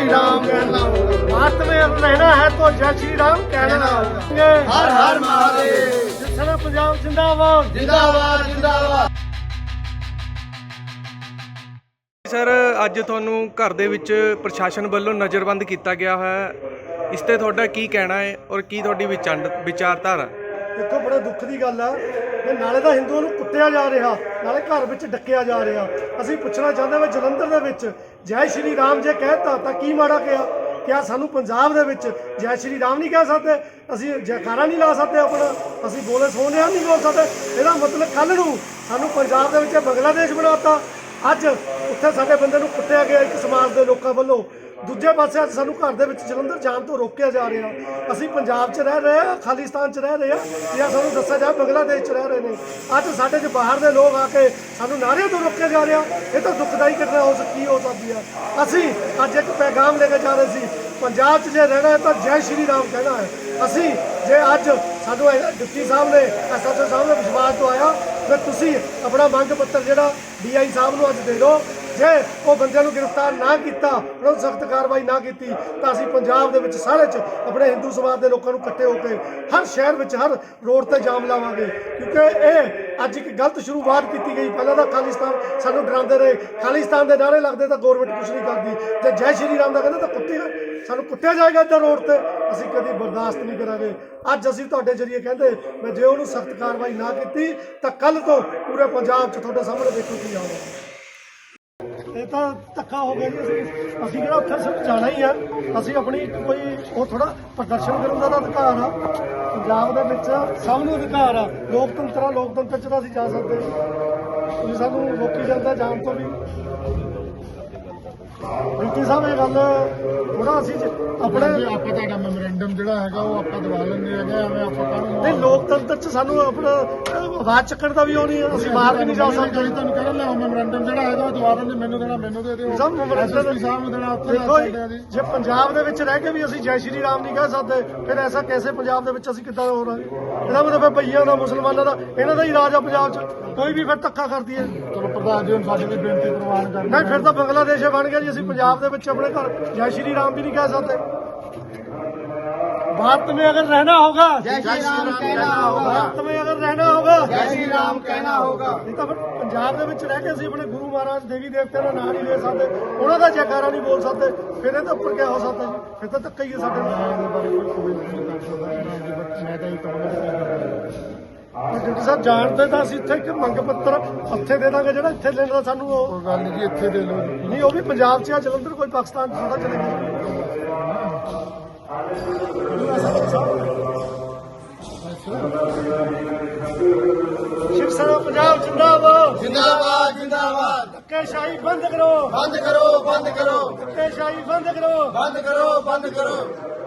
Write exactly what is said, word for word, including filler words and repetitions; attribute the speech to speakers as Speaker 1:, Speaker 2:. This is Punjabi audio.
Speaker 1: श्री राम कहना होगा। भारत में अब रहना है तो जय श्री राम कहना होगा। हर हर महादेव। जिसने पंजाब जिंदाबाद जिंदाबाद जिंदाबाद।
Speaker 2: ਸਰ ਅੱਜ ਤੁਹਾਨੂੰ ਘਰ ਦੇ ਵਿੱਚ ਪ੍ਰਸ਼ਾਸਨ ਵੱਲੋਂ ਨਜ਼ਰਬੰਦ ਕੀਤਾ ਗਿਆ ਹੋਇਆ, ਇਸ ਤੇ ਤੁਹਾਡਾ ਕੀ ਕਹਿਣਾ ਹੈ ਔਰ ਕੀ ਤੁਹਾਡੀ ਵਿਚਾਰ ਵਿਚਾਰਧਾਰਾ?
Speaker 1: ਦੇਖੋ ਬੜਾ ਦੁੱਖ ਦੀ ਗੱਲ ਆ ਕਿ ਨਾਲੇ ਤਾਂ ਹਿੰਦੂਆਂ ਨੂੰ ਕੁੱਟਿਆ ਜਾ ਰਿਹਾ, ਨਾਲੇ ਘਰ ਵਿੱਚ ਡੱਕਿਆ ਜਾ ਰਿਹਾ। ਅਸੀਂ ਪੁੱਛਣਾ ਚਾਹੁੰਦੇ ਹਾਂ ਜਲੰਧਰ ਦੇ ਵਿੱਚ ਜੈ ਸ਼੍ਰੀ ਰਾਮ ਜੇ ਕਹਿਤਾ ਤਾਂ ਕੀ ਮਾੜਾ ਕਿਹਾ? ਕਿਆ ਸਾਨੂੰ ਪੰਜਾਬ ਦੇ ਵਿੱਚ ਜੈ ਸ਼੍ਰੀ ਰਾਮ ਨਹੀਂ ਕਹਿ ਸਕਦੇ? ਅਸੀਂ ਜੈਕਾਰਾ ਨਹੀਂ ਲਾ ਸਕਦੇ ਆਪਣਾ? ਅਸੀਂ ਬੋਲੇ ਸੋਹਣੇ ਨਹੀਂ ਬੋਲ ਸਕਦੇ? ਇਹਦਾ ਮਤਲਬ ਕੱਲ੍ਹ ਨੂੰ ਸਾਨੂੰ ਪੰਜਾਬ ਦੇ ਵਿੱਚ ਬੰਗਲਾਦੇਸ਼ ਬਣਾਤਾ। ਅੱਜ ਉੱਥੇ ਸਾਡੇ ਬੰਦੇ ਨੂੰ ਕੁੱਟਿਆ ਗਿਆ ਇੱਕ ਸਮਾਜ ਦੇ ਲੋਕਾਂ ਵੱਲੋਂ। ਦੂਜੇ ਪਾਸੇ ਅੱਜ ਸਾਨੂੰ ਘਰ ਦੇ ਵਿੱਚ ਜਲੰਧਰ ਜਾਣ ਤੋਂ ਰੋਕਿਆ ਜਾ ਰਿਹਾ। ਅਸੀਂ ਪੰਜਾਬ 'ਚ ਰਹਿ ਰਹੇ ਹਾਂ, ਖਾਲਿਸਤਾਨ 'ਚ ਰਹਿ ਰਹੇ ਹਾਂ, ਜਾਂ ਸਾਨੂੰ ਦੱਸਿਆ ਜਾ ਬੰਗਲਾਦੇਸ਼ 'ਚ ਰਹਿ ਰਹੇ ਨੇ। ਅੱਜ ਸਾਡੇ 'ਚ ਬਾਹਰ ਦੇ ਲੋਕ ਆ ਕੇ ਸਾਨੂੰ ਨਾਅਰਿਆਂ ਤੋਂ ਰੋਕਿਆ ਜਾ ਰਿਹਾ। ਇਹ ਤਾਂ ਦੁਖਦਾਈ ਘਟਨਾ ਹੋ ਸਕਦੀ ਹੋ ਸਕਦੀ ਆ। ਅਸੀਂ ਅੱਜ ਇੱਕ ਪੈਗਾਮ ਲੈ ਕੇ ਜਾ ਰਹੇ ਸੀ, ਪੰਜਾਬ 'ਚ ਜੇ ਰਹਿਣਾ ਹੈ ਤਾਂ ਜੈ ਸ਼੍ਰੀ ਰਾਮ ਕਹਿਣਾ ਹੈ। ਅਸੀਂ ਜੇ ਅੱਜ ਸਾਨੂੰ ਡਿਪਟੀ ਸਾਹਿਬ ਨੇ ਐਸ ਐਸ ਓ ਸਾਹਿਬ ਨੇ ਵਿਸ਼ਵਾਸ ਦਵਾਇਆ ਕਿ ਤੁਸੀਂ ਆਪਣਾ ਮੰਗ ਪੱਤਰ ਜਿਹੜਾ ਡੀ ਆਈ ਸਾਹਿਬ ਨੂੰ ਅੱਜ ਦੇ ਦਿਓ। ਜੇ ਉਹ ਬੰਦਿਆਂ ਨੂੰ ਗ੍ਰਿਫਤਾਰ ਨਾ ਕੀਤਾ, ਉਹਨਾਂ ਨੂੰ ਸਖਤ ਕਾਰਵਾਈ ਨਾ ਕੀਤੀ ਤਾਂ ਅਸੀਂ ਪੰਜਾਬ ਦੇ ਵਿੱਚ ਸਾਰੇ 'ਚ ਆਪਣੇ ਹਿੰਦੂ ਸਮਾਜ ਦੇ ਲੋਕਾਂ ਨੂੰ ਇਕੱਠੇ ਹੋ ਕੇ ਹਰ ਸ਼ਹਿਰ ਵਿੱਚ ਹਰ ਰੋਡ ਤੇ ਜਾਮ ਲਾਵਾਂਗੇ। ਕਿਉਂਕਿ ਇਹ ਅੱਜ ਇੱਕ ਗਲਤ ਸ਼ੁਰੂਆਤ ਕੀਤੀ ਗਈ। ਪਹਿਲਾਂ ਤਾਂ ਖਾਲਿਸਤਾਨ ਸਾਨੂੰ ਡਰਾਉਂਦੇ ਰਹੇ, ਖਾਲਿਸਤਾਨ ਦੇ ਨਾਅਰੇ ਲੱਗਦੇ ਤਾਂ ਗੌਰਮੈਂਟ ਕੁਛ ਨਹੀਂ ਕਰਦੀ। ਜੇ ਜੈ ਸ਼੍ਰੀ ਰਾਮ ਦਾ ਕਹਿੰਦੇ ਤਾਂ ਕੁੱਤੇ ਸਾਨੂੰ ਕੁੱਟਿਆ ਜਾਏਗਾ ਇੱਦਾਂ ਰੋਡ ਤੇ। ਅਸੀਂ ਕਦੀ ਬਰਦਾਸ਼ਤ ਨਹੀਂ ਕਰਾਂਗੇ। ਅੱਜ ਅਸੀਂ ਤੁਹਾਡੇ ਜਰੀਏ ਕਹਿੰਦੇ ਮੈਂ ਜੇ ਉਹਨੂੰ ਸਖਤ ਕਾਰਵਾਈ ਨਾ ਕੀਤੀ ਤਾਂ ਕੱਲ੍ਹ ਤੋਂ ਪੂਰੇ ਪੰਜਾਬ 'ਚ ਤੁਹਾਡੇ ਸਾਹਮਣੇ ਦੇਖੋ ਕੀ ਆਊਗਾ। ਇਹ ਤਾਂ ਧੱਕਾ ਹੋ ਗਿਆ ਜੀ। ਅਸੀਂ ਅਸੀਂ ਕਿਹੜਾ ਉੱਥੇ ਸਿਰਫ ਜਾਣਾ ਹੀ ਆ। ਅਸੀਂ ਆਪਣੀ ਕੋਈ ਉਹ ਥੋੜਾ ਪ੍ਰਦਰਸ਼ਨ ਕਰਨ ਦਾ ਤਾਂ ਅਧਿਕਾਰ ਆ। ਪੰਜਾਬ ਦੇ ਵਿੱਚ ਸਭ ਨੂੰ ਅਧਿਕਾਰ ਆ। ਲੋਕਤੰਤਰ ਆ, ਲੋਕਤੰਤਰ 'ਚ ਤਾਂ ਅਸੀਂ ਜਾ ਸਕਦੇ। ਤੁਸੀਂ ਸਾਨੂੰ ਰੋਕੀ ਜਾਂਦਾ ਜਾਣ ਤੋਂ ਵੀ। ਡਿਪਟੀ ਸਾਹਿਬ ਇਹ ਗੱਲ ਥੋੜਾ ਅਸੀਂ ਆਪਣੇ
Speaker 3: ਆਪਾਂ ਤੁਹਾਡਾ ਮੈਮੋਰੈਂਡਮ ਜਿਹੜਾ ਹੈਗਾ ਉਹ ਆਪਾਂ ਦਵਾ ਲੈਂਦੇ ਹੈਗੇ। ਐਵੇਂ ਆਪਾਂ ਕਾਹਨੂੰ
Speaker 1: ਨਹੀਂ, ਲੋਕਤੰਤਰ 'ਚ ਸਾਨੂੰ ਆਪਣਾ ਆਵਾਜ਼ ਚੱਕਣ ਦਾ ਵੀ ਉਹ ਨਹੀਂ। ਅਸੀਂ ਬਾਹਰ ਵੀ ਨਹੀਂ ਜਾ ਸਕਦੇ।
Speaker 3: ਤੁਹਾਨੂੰ ਕਹਿ ਰਿਹਾ ਮੈਮੋਰੈਂਡਮ ਜਿਹੜਾ ਹੈਗਾ ਉਹ ਦਵਾ ਦਿੰਦੇ। ਮੈਨੂੰ ਦੇਣਾ ਮੈਨੂੰ ਦੇ ਦਿਓ।
Speaker 1: ਸਭ ਮੈਮੋਰੈਂਡਮ
Speaker 3: ਸਾਹਿਬ ਨੂੰ ਦੇਣਾ ਉੱਥੇ
Speaker 1: ਦੇਖੋ ਜੀ, ਜੇ ਪੰਜਾਬ ਦੇ ਵਿੱਚ ਰਹਿ ਕੇ ਵੀ ਅਸੀਂ ਜੈ ਸ਼੍ਰੀ ਰਾਮ ਨਹੀਂ ਕਹਿ ਸਕਦੇ ਫਿਰ ਐਸਾ ਕੈਸੇ ਪੰਜਾਬ ਦੇ ਵਿੱਚ ਅਸੀਂ ਕਿੱਦਾਂ ਹੋ ਰਹੇ? ਇਹਦਾ ਮਤਲਬ ਭਈਆਂ ਦਾ, ਮੁਸਲਮਾਨਾਂ ਦਾ, ਇਹਨਾਂ ਦਾ ਹੀ ਰਾਜ ਆ ਪੰਜਾਬ 'ਚ। ਕੋਈ ਵੀ ਫਿਰ ਧੱਕਾ ਕਰਦੀ ਹੈ।
Speaker 3: ਚਲੋ ਪ੍ਰਧਾਨ ਜੀ ਹੁਣ ਸਾਡੀ ਵੀ ਬੇਨਤੀ ਪ੍ਰਵਾਨ ਕਰ।
Speaker 1: ਨਹੀਂ ਫਿਰ ਤਾਂ ਬੰਗਲਾਦੇਸ਼ ਬਣ ਗਿਆ ਜੀ। ਅਸੀਂ ਪੰਜਾਬ ਦੇ ਵਿੱਚ ਆਪਣੇ ਘਰ ਜੈ ਸ਼੍ਰੀ ਰਾਮ ਵੀ ਨਹੀਂ ਕਹਿ ਸਕਦੇ। भारत में अगर रहना होगा
Speaker 3: जय श्री राम कहना होगा।
Speaker 1: भारत में अगर रहना होगा
Speaker 3: जय श्री राम कहना होगा।
Speaker 1: नहीं तो फिर पंजाब ਦੇ ਵਿੱਚ ਰਹਿ ਕੇ ਅਸੀਂ ਆਪਣੇ ਗੁਰੂ ਮਹਾਰਾਜ ਦੇਵੀ ਦੇਵਤਿਆਂ ਦਾ ਨਾਂ ਨਹੀਂ ਲੈ ਸਕਦੇ, ਉਹਨਾਂ ਦਾ ਜੈਕਾਰਾ ਨਹੀਂ ਬੋਲ ਸਕਦੇ। ਫਿਰ ਇਹ ਤਾਂ ਉੱਪਰ ਕਿਆ ਹੋ ਸਕਦਾ ਜੀ? ਫਿਰ ਤਾਂ ਧੱਕਾ ਹੀ ਹੈ ਸਾਡੇ ਨਾਲ। ਡਿਪਟੀ ਸਾਹਿਬ ਜਾਣਦੇ ਤਾਂ ਅਸੀਂ ਇੱਥੇ ਇੱਕ ਮੰਗ ਪੱਤਰ ਹੱਥੇ ਦੇ ਦਾਂਗੇ ਜਿਹੜਾ ਇੱਥੇ ਲੈਣ ਦਾ ਸਾਨੂੰ ਉਹ
Speaker 3: ਗੱਲ ਨਹੀਂ ਜੀ, ਇੱਥੇ ਦੇ ਲਓ ਜੀ।
Speaker 1: ਨਹੀਂ, ਉਹ ਵੀ ਪੰਜਾਬ 'ਚ ਆ, ਜਲੰਧਰ ਕੋਈ ਪਾਕਿਸਤਾਨ 'ਚ ਥੋੜਾ ਚਲੇਗੀ। शिव सेना पंजाब जिंदाबाद
Speaker 3: जिंदाबाद जिंदाबाद।
Speaker 1: धक्केशाही बंद करो
Speaker 3: बंद करो बंद करो
Speaker 1: धक्केशाही बंद करो
Speaker 3: बंद करो बंद करो।